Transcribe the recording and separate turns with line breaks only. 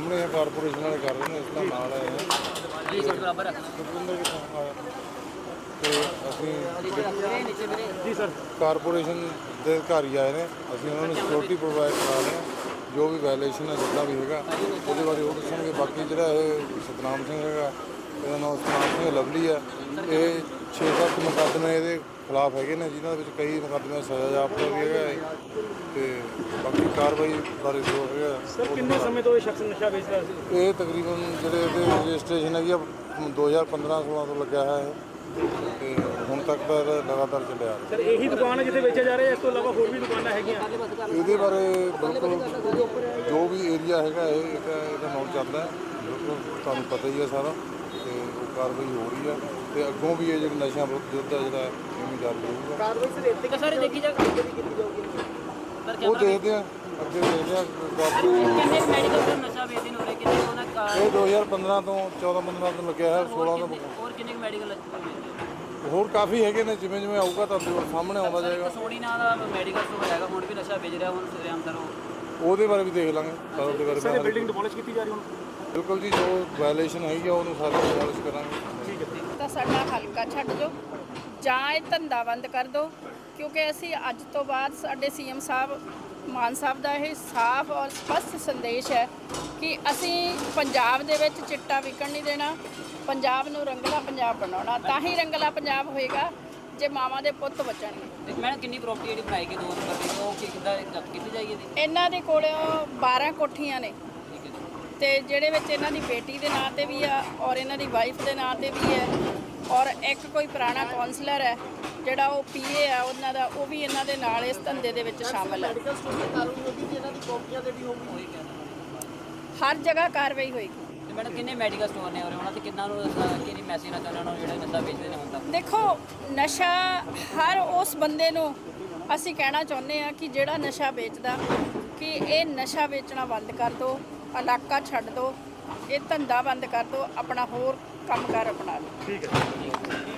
ਸਾਹਮਣੇ ਕਾਰਪੋਰੇਸ਼ਨ वाले कर रहे हैं, इसका नाल आए हैं सुखविंदर किथों आया तो ਅਸੀਂ
जी सर
ਕਾਰਪੋਰੇਸ਼ਨ ਦੇ ਅਧਿਕਾਰੀ ਆਏ ਨੇ, ਅਸੀਂ ਉਹਨਾਂ ਨੂੰ ਸਿਕਿਉਰਿਟੀ ਪ੍ਰੋਵਾਈਡ ਕਰਾ ਰਹੇ ਹਾਂ। ਜੋ ਵੀ ਵਾਇਲੇਸ਼ਨ ਹੈ ਜਿੱਦਾਂ ਵੀ ਹੈਗਾ ਉਹਦੇ ਬਾਰੇ ਉਹ ਦੱਸਣਗੇ। ਬਾਕੀ ਜਿਹੜਾ ਇਹ ਸਤਨਾਮ ਸਿੰਘ ਹੈਗਾ, ਇਹਦਾ ਨਾਮ ਸਤਨਾਮ ਸਿੰਘ ਲਵਲੀ ਹੈ, ਇਹ 6-7 ਮੁਕੱਦਮੇ ਇਹਦੇ ਖਿਲਾਫ ਹੈਗੇ ਨੇ, ਜਿਨ੍ਹਾਂ ਦੇ ਵਿੱਚ ਕਈ ਮੁਕੱਦਮੇ ਸਜ਼ਾ ਜਾਪਦਾ ਵੀ ਹੈਗਾ ਤੇ ਬਾਕੀ ਕਾਰਵਾਈ ਬਾਰੇ ਜੋ ਹੈਗਾ।
ਸਰ ਕਿੰਨੇ ਸਮੇਂ ਤੋਂ ਇਹ ਸ਼ਖਸ ਨਸ਼ਾ ਵੇਚਦਾ ਸੀ?
ਇਹ ਤਕਰੀਬਨ ਜਿਹੜੇ ਇਹਦੇ ਰਜਿਸਟ੍ਰੇਸ਼ਨ ਹੈਗੀ ਆ 2015-16 ਤੋਂ ਲੱਗਿਆ ਹੋਇਆ ਹੈ ਤੇ ਹੁਣ ਤੱਕ ਤਾਂ ਇਹਦਾ ਲਗਾਤਾਰ ਚੱਲਿਆ ਆ ਰਿਹਾ।
ਸਰ ਇਹੀ ਦੁਕਾਨ ਹੈ ਜਿੱਥੇ ਵੇਚਿਆ ਜਾ ਰਿਹਾ, ਇਸ ਤੋਂ ਇਲਾਵਾ ਹੋਰ ਵੀ ਦੁਕਾਨਾਂ ਹੈਗੀਆਂ?
ਇਹਦੇ ਬਾਰੇ ਬਿਲਕੁਲ ਜੋ ਵੀ ਏਰੀਆ ਹੈਗਾ ਇਹਦਾ ਨਾਮ ਚੱਲਦਾ ਹੈ, ਬਿਲਕੁਲ ਤੁਹਾਨੂੰ ਪਤਾ ਹੀ ਹੈ ਸਾਰਾ, ਤੇ ਉਹ ਕਾਰਵਾਈ ਹੋ ਰਹੀ ਹੈ ਤੇ ਅੱਗੋਂ ਵੀ ਇਹ ਜਿਹੜੀ ਨਸ਼ਿਆਂ ਵਿਰੁੱਧ ਯੁੱਧ ਹੈ ਜਿਹੜਾ ਇਹ ਜਾਰੀ ਰਹੂਗਾ।
ਕਾਰਵਾਈ ਸਰ ਇੱਥੇ ਸਾਰੇ ਦੇਖੀ ਜਾਊਗੀ ਕੀਤੀ ਜਾਊਗੀ
ਉਹ ਦੇਖਦੇ ਆ, ਅੱਗੇ ਦੇਖਦੇ ਆ।
ਕਿੰਨੇ ਮੈਡੀਕਲ ਤੋਂ ਨਸ਼ਾ ਵੇਚਦੇ ਨੇ ਉਰੇ, ਕਿੰਨੇ ਉਹਨਾਂ ਦਾ
ਇਹ 2015 ਤੋਂ 14-15 ਤੋਂ ਲੱਗਿਆ ਹੈ, 16 ਤੋਂ
ਹੋਰ ਕਿੰਨੇ ਮੈਡੀਕਲ
ਹੋਰ ਕਾਫੀ ਹੈਗੇ ਨੇ। ਜਿਵੇਂ ਜਿਵੇਂ ਆਊਗਾ ਤੁਹਾਡੇ ਕੋਲ ਸਾਹਮਣੇ ਆਉਂਦਾ ਜਾਏਗਾ।
ਸੋਣੀ ਨਾਂ ਦਾ ਮੈਡੀਕਲ ਸਟੋਰ ਹੈਗਾ, ਹੁਣ ਵੀ ਨਸ਼ਾ ਵੇਚ ਰਿਹਾ, ਹੁਣ ਸਰਿਆਮ ਸਰ
ਉਹਦੇ ਬਾਰੇ ਵੀ ਦੇਖ ਲਾਂਗੇ। ਉਹਦੇ ਬਾਰੇ
ਸਰ ਬਿਲਡਿੰਗ ਡਿਮੋਲਿਸ਼ ਕੀਤੀ ਜਾ ਰਹੀ ਹੁਣ?
ਬਿਲਕੁਲ ਜੀ, ਜੋ ਵਾਇਲੇਸ਼ਨ ਹੈਗੀ ਆ ਉਹਨੂੰ ਸਾਰਾ ਡਿਮੋਲਿਸ਼ ਕਰਾਂਗੇ।
ਠੀਕ ਹੈ।
ਤਾਂ ਸਾਡਾ ਹਲਕਾ ਛੱਡ ਦਿਓ ਜਾਂ ਇਹ ਧੰਦਾ ਬੰਦ ਕਰ ਦਿਓ, ਕਿਉਂਕਿ ਅਸੀਂ ਅੱਜ ਤੋਂ ਬਾਅਦ ਸਾਡੇ ਸੀਐਮ ਸਾਹਿਬ ਮਾਨ ਸਾਹਿਬ ਦਾ ਇਹ ਸਾਫ਼ ਔਰ ਸਪਸ਼ਟ ਸੰਦੇਸ਼ ਹੈ ਕਿ ਅਸੀਂ ਪੰਜਾਬ ਦੇ ਵਿੱਚ ਚਿੱਟਾ ਵਿਕਣ ਨਹੀਂ ਦੇਣਾ। ਪੰਜਾਬ ਨੂੰ ਰੰਗਲਾ ਪੰਜਾਬ ਬਣਾਉਣਾ, ਤਾਂ ਹੀ ਰੰਗਲਾ ਪੰਜਾਬ ਹੋਏਗਾ ਜੇ ਮਾਵਾਂ ਦੇ ਪੁੱਤ ਬਚਣਗੇ।
ਮੈਂ ਕਿੰਨੀ ਪ੍ਰਾਪਰਟੀ ਜਿਹੜੀ ਬਣਾਈ ਗਈ 2 ਨੰਬਰ ਦੀ, ਉਹ ਕਿੱਦਾਂ ਜ਼ਬਤ ਕੀਤੀ ਜਾਏਗੀ ਇਹਦੀ?
ਇਹਨਾਂ ਦੇ ਕੋਲ 12 ਕੋਠੀਆਂ ਨੇ
ਠੀਕ ਹੈ ਜੀ।
ਤੇ ਜਿਹੜੇ ਵਿੱਚ ਇਹਨਾਂ ਦੀ ਬੇਟੀ ਦੇ ਨਾਂ ਤੇ ਵੀ ਆ ਔਰ ਇਹਨਾਂ ਦੀ ਵਾਈਫ ਦੇ ਨਾਂ ਤੇ ਵੀ ਹੈ, ਔਰ ਇੱਕ ਕੋਈ ਪੁਰਾਣਾ ਕਾਉਂਸਲਰ ਹੈ ਜਿਹੜਾ ਉਹ ਪੀਏ ਆ ਉਹਨਾਂ ਦਾ, ਉਹ ਵੀ ਇਹਨਾਂ ਦੇ ਨਾਲ ਇਸ ਧੰਦੇ ਦੇ ਵਿੱਚ ਸ਼ਾਮਲ ਹੈ। ਹਰ ਜਗ੍ਹਾ ਕਾਰਵਾਈ ਹੋਏਗੀ।
ਤੇ ਮੈਡਮ ਕਿੰਨੇ ਮੈਡੀਕਲ ਸਟੋਰ ਨੇ ਉਰੇ, ਉਹਨਾਂ ਤੇ ਕਿੰਨਾ ਨੂੰ ਕਿੰਨੀ ਮੈਸੇਜ ਨਾ ਚਾਹੁੰਦੇ ਉਹਨਾਂ ਨੂੰ ਜਿਹੜੇ ਨਸ਼ਾ ਵੇਚਦੇ ਨੇ ਹੁਣ ਤੱਕ?
ਦੇਖੋ, ਨਸ਼ਾ ਹਰ ਉਸ ਬੰਦੇ ਨੂੰ ਅਸੀਂ ਕਹਿਣਾ ਚਾਹੁੰਦੇ ਆ ਕਿ ਜਿਹੜਾ ਨਸ਼ਾ ਵੇਚਦਾ ਕਿ ਇਹ ਨਸ਼ਾ ਵੇਚਣਾ ਬੰਦ ਕਰ ਦਿਓ, ਇਲਾਕਾ ਛੱਡ ਦਿਓ, ਇਹ ਧੰਦਾ ਬੰਦ ਕਰ ਦਿਓ, ਆਪਣਾ ਹੋਰ ਕੰਮਕਾਰ ਅਪਣਾ ਲਓ।
ਠੀਕ ਹੈ।